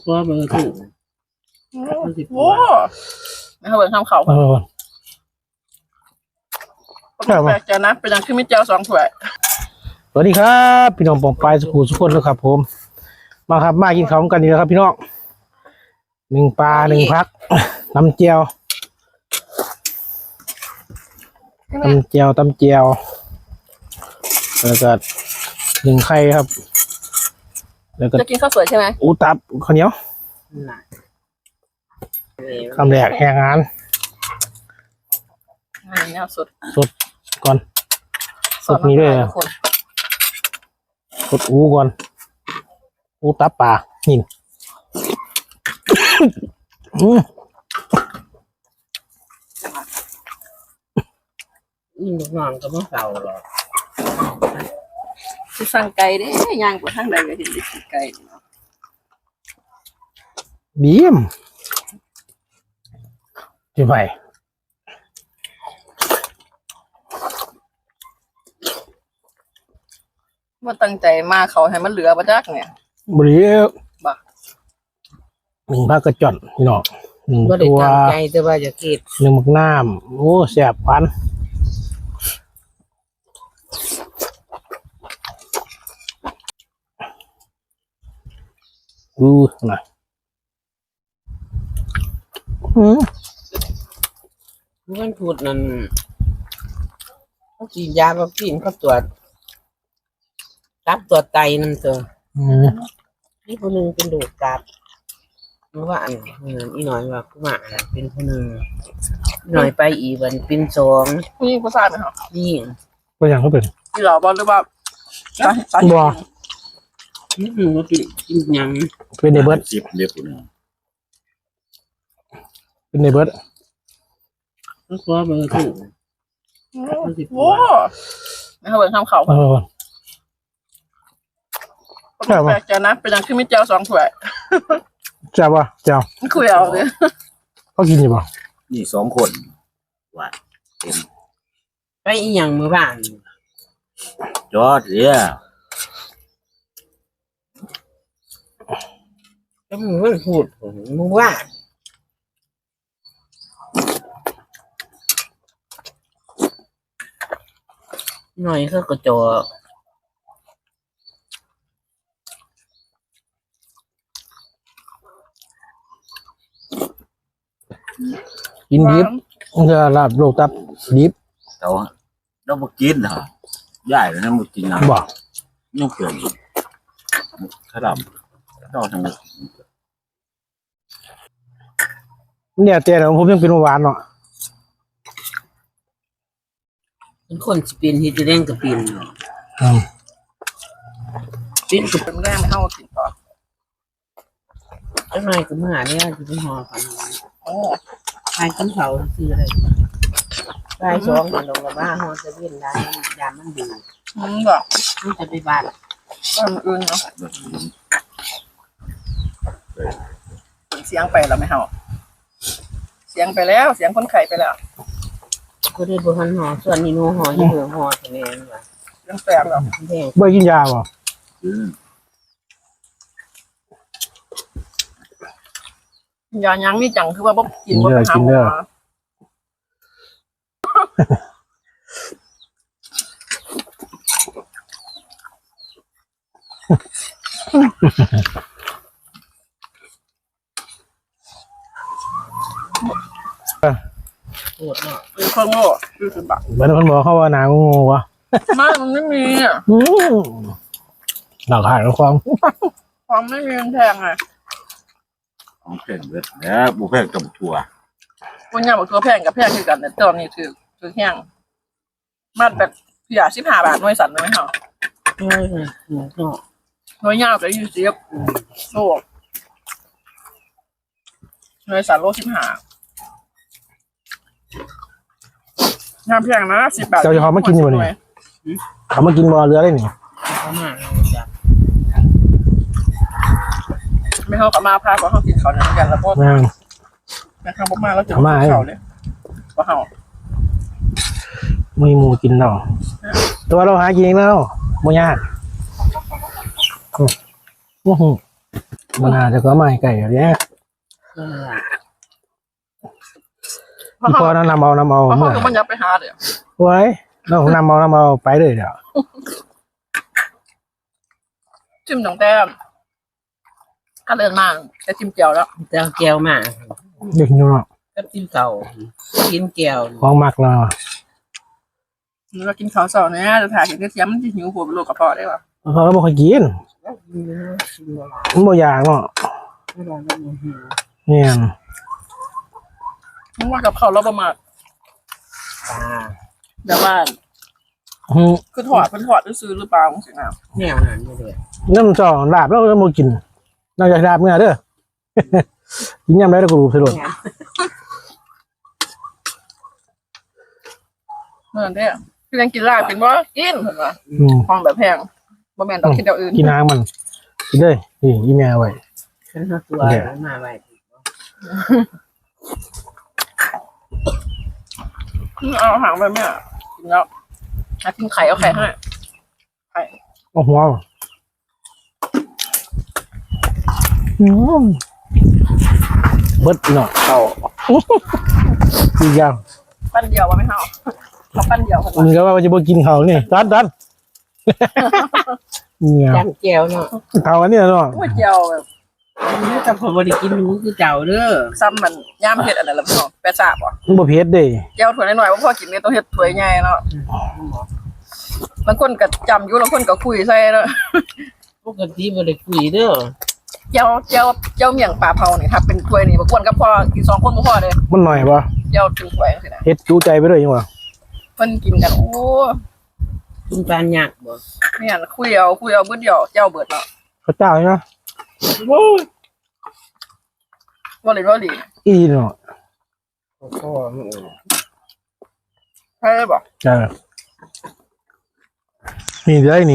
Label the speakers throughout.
Speaker 1: ตัวเบอร์ถูก
Speaker 2: โอ้ไม่เขาเบิ่งทำเขาแปลกใจนะเป็นอย่างที่มิเจล2 ถ้วย
Speaker 1: สวัสดีครับพี่น้องปองปลายสุขุสุขคนแล้วครับผมมาครับมากินข้าวกันดีแล้วครับพี่น้อง1 ปลา 1 พักน้ำเจียวแล้วก็1 ไข่ครับแล้วก็
Speaker 2: จะกินข้าวสวยใช่ไหม
Speaker 1: อูตับข้าวเหนียวคำแรกแหงงาน
Speaker 2: เนี่ยสด
Speaker 1: ก่อนสดนี้ด้วยสดอูก่อนอูตับปลาหิน
Speaker 3: ยิ่งนอนก็ไม่เก่าหรอก
Speaker 2: ที่สั่งไก่เด้ย่างกว่าทั้งใดก็เห็นได้กินไก่
Speaker 1: บีมที่ไป
Speaker 2: ว่าตั้งใจมาเขาให้มันเหลือมาจากเนี่ย
Speaker 1: บริเวณ
Speaker 2: บ่
Speaker 1: 1 พักกระจอนพี่น้อง1 ตัว
Speaker 3: ใจแต่ว่าจะกิน
Speaker 1: 1 มักน้ำโอ้แสบฟันน่ะ
Speaker 3: มันพูดนั่นเขากินยาเขากินเขาตรวจตับตรวจไตนั่นเถอะนี่คนหนึ่งเป็นดูดตับเมื่อวานอีหน่อยว่าผู้หมาเป็นคนหนึ่งหน่อยไปอีวันเป็น2
Speaker 2: นี่ผู้ชายไหมครับ
Speaker 3: นี่
Speaker 1: ก็อย่างเขาเป็น
Speaker 2: ที่เราบอกหรือว่า
Speaker 1: บัว
Speaker 3: ว่ากินยัง
Speaker 1: เป็นในเบิร์ดเป็นในเบิร์ด
Speaker 3: ตัวเบอร์ถูก
Speaker 2: โอ้ไม่เขาเบิ่งทำเขาแปลกใจนะเป็นอย่างที่มิเจล2 ถ้วย
Speaker 1: เจ้าป่ะเจ้า
Speaker 2: คุยเอาเลย
Speaker 1: เขากินอยู่ป่ะ
Speaker 4: นี่2 คนว่า
Speaker 3: ไปอีหยังเมื่อวาน
Speaker 4: จอดเนี่ย
Speaker 3: ก็มึงไม่พูดมึงว่าหน่อยเขาก็จอ
Speaker 1: กินดิบมันจะลาบโลกตับดิบ
Speaker 4: เราบ่กินเหรอย่ายแล้วนะบ่กินนะ
Speaker 1: บ่
Speaker 4: ยังเกินขนมเราทั้ง
Speaker 1: เนี่ยแต่ผมยังเป็นหวานเนาะ
Speaker 3: เป็นคนสปินที่จะเล่นกับปิน
Speaker 2: ปินกับเป็นแรงไม่เข้ากินต่อ
Speaker 3: เจ้าหน่อยก็มาเนี่ยจะเป็นหอกันทายกินเขาคืออะไรทาย2กันลงกับบ้าหอจะเล่นได้ยามมันดี
Speaker 2: บ่
Speaker 3: มันจะไปบ้าน
Speaker 2: อื่นเนาะเสียงไปแล้วไม่เข้าเสียงไปแล้วเสียงคนไข้ไปแล้ว
Speaker 3: ก็ได้บุหันหอส่วนนี้นูหอที่เหลือหอทะเลว่ะ
Speaker 2: ยังแสบแล้ว
Speaker 1: ไม่กินยาบ่
Speaker 2: ยายังมีจังคือว่าบ่กินบ่ไปหาหมอ
Speaker 3: ปวดเนาะ
Speaker 2: เป็นคนโง่20 บาท
Speaker 1: เหมือนคนบอกเขาว่าหนางูวะ
Speaker 2: มันไม่มีอ่ะ
Speaker 1: หลักฐานความ
Speaker 2: ไม่มีมันแพงไง
Speaker 4: ของแพงเบิดแล้วบ่แพงกับถั่ว
Speaker 2: คนย่าบอกตัวแพงกับแพงคือกันแต่ตอนนี้ถือแห้งมัดแบบพี่ยา15 บาทหน่วยสั่นเลยไหมเหรอ
Speaker 3: ใช่ค่ะ
Speaker 2: หน่วยยาวกับ20โลหน่วยสั่นโล15น้ำแพงนะ10 บาท
Speaker 1: เจ้าจะเขามากินอยู่นี่เขามากินบ่เรือได้นี่
Speaker 2: ไม่เข้ากับมาพาเพราะเขากินเขาเนี่ยกันแล้วก็แม่ข้าวมาแล้วจะมาเขาเลยว่าเขา
Speaker 1: ไม่มูกินเนาะตัวเราหากินแล้วบ่ยากมันอาจจะก็ไม่ไก่อย่างเงี้ย
Speaker 3: นั่นล่ะ
Speaker 1: พี่พอน้ำเอา
Speaker 2: เพราะ
Speaker 1: เมื่อ
Speaker 2: เขามันยับไปหาเดี๋ยว
Speaker 1: ไว้น้องน้ำเอาไปเลยเดี๋ยว
Speaker 2: จิ้มตั้งแต่ถ้าเลินมากจะจิ้มเจียวแล้ว
Speaker 3: เจ้าแก้วมา
Speaker 1: เด็กอยู่เนาะ
Speaker 3: กับจิ้มเก่ากินแก้ว
Speaker 1: ของมักเนาะ
Speaker 2: เรากินข้าวเสาร์เนี่ยจะถ่ายเห็นเทียมมันจะหิวหัวเป็นโรคกระเพาะได้ป่ะ
Speaker 1: เขาเราไม่ค่อยกิน
Speaker 3: กินแล้วกินบ่หลาย
Speaker 1: มันบ่อยากเนาะ
Speaker 3: ไม่ได้ไม่ได้หิว
Speaker 1: เนี่ย
Speaker 2: มึงว่ากับข้าวเราประมาท
Speaker 3: ปลา
Speaker 2: แต่ว่า
Speaker 1: อืม
Speaker 2: คือถอดเป็นถอดซื้อหรือเปล่าสินะ
Speaker 3: แนวนั้นไม่ได้
Speaker 1: น้ำจ่อลาบแล้วก็มากินนอกจากลาบเมื่อเด้อ กินยำได้แล้วก็รู้สะดวก
Speaker 2: เมื่อเนี่ยคือยังกินลาบเป็นว่ากินเห็นป่ะ
Speaker 1: อืม
Speaker 2: ห้องแบบแพงบ่แม่นต้องคิดเดียวอื่น
Speaker 1: กินน้ำมันกินเลยนี่อีแม่ไว้
Speaker 3: ฉันเอาตัวมาไว้
Speaker 2: เอาหางไปแม่กินแล้วกินไข่เอาไข่ให้ไข่
Speaker 1: เอาหัวอืมเบิดเนาะเอาอีกอย่าง
Speaker 2: ปั้นเดียวว่าไม่เท่าเขาปั้นเดียวคน
Speaker 1: มันก็ว่าจะบ่กินเขาวนี่ตัดเนี่ย
Speaker 3: จำแก้วเนาะ
Speaker 1: เขาอันนี้เนาะ
Speaker 2: ก๋วยเจียวแบบ
Speaker 3: นี่จำคนบริกินรู้คือเจ้าเด้อ
Speaker 2: ซ้ำมันย่ามเผ็ดอันนั้นละพี่น้องแปะสาบอ่ะ
Speaker 1: มันบ่เผ็ดเด้
Speaker 2: เจียวถ้วยน้อยๆว่าพ่อกินเนี่ยต้องเฮ็ดถ้วยใหญ่เนาะบางคนก็จำอยู่บางคนก็คุยใส่เนาะ
Speaker 3: ปกติบริคุยเด้อ
Speaker 2: เจียวเมี่ยงปลาเผานี่ถ้าเป็นถ้วยนี่บ่ควรกับพ่อกิน2คนบ่พอเด้
Speaker 1: มันหน่อยบ่
Speaker 2: เจียวถึงถ้วยจังซี่นะ
Speaker 1: เฮ็ดจูใจไปเลยยังวะ
Speaker 2: เพิ่นกินกันโอ้
Speaker 3: กินปลาหยักบ่
Speaker 2: เนี่ยคุยเอาเบิดเดียวเจียวเบิดเนาะ
Speaker 1: เขาเจ้าใช่ไหม
Speaker 2: บ่เลยบ่หลี
Speaker 1: อีเนาะ
Speaker 3: พ่อมัน
Speaker 2: ใช่บ่
Speaker 1: จ้านี่ได้นี่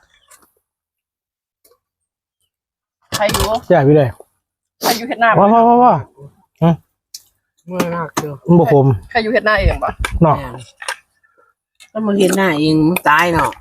Speaker 2: ใครอยู่
Speaker 1: แซ่บไปเลย
Speaker 2: ใครอยู่เฮ็ดหน้า
Speaker 1: ว้าว
Speaker 3: เมื่อรักเด้อ
Speaker 1: มันบ่คม
Speaker 2: ใครอยู่เฮ็ดหน้าเองบ่
Speaker 1: เนาะ
Speaker 3: ถ้ามาเห็นหน้าเองมันตายเนาะ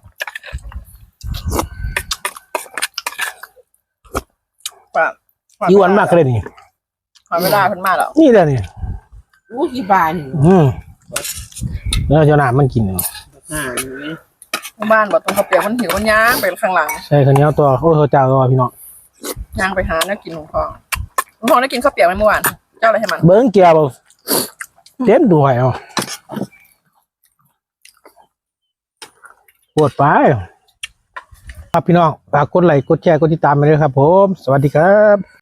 Speaker 2: ป่ะ
Speaker 1: อีวันมากเลยนี่
Speaker 2: หาเวลาเพิ่นมาแล้ว
Speaker 1: นี่แหละนี่
Speaker 3: อู้ที่บ้าน
Speaker 1: แล้วเจ้าหน้ามันกินเนาะ
Speaker 2: บ้านบ่ต้องเขาเปียกมันหิวมันย่างไปข้างหลัง
Speaker 1: ใช่ข้าวเหนียวตัวโอ้เขาเจ้าตัวพี่น้อง
Speaker 2: ย่างไปหาแนวกินของพ่อลุงพ่อได้กินข้าวเปียกไหมเมื่อวานเจ้าอะไรให้มัน
Speaker 1: เบิ้งเกียร์บ่เต็มด้วยเอาปวดไปครับพี่น้องฝากกดไลค์กดแชร์กดติดตามไปเลยครับผม สวัสดีครับ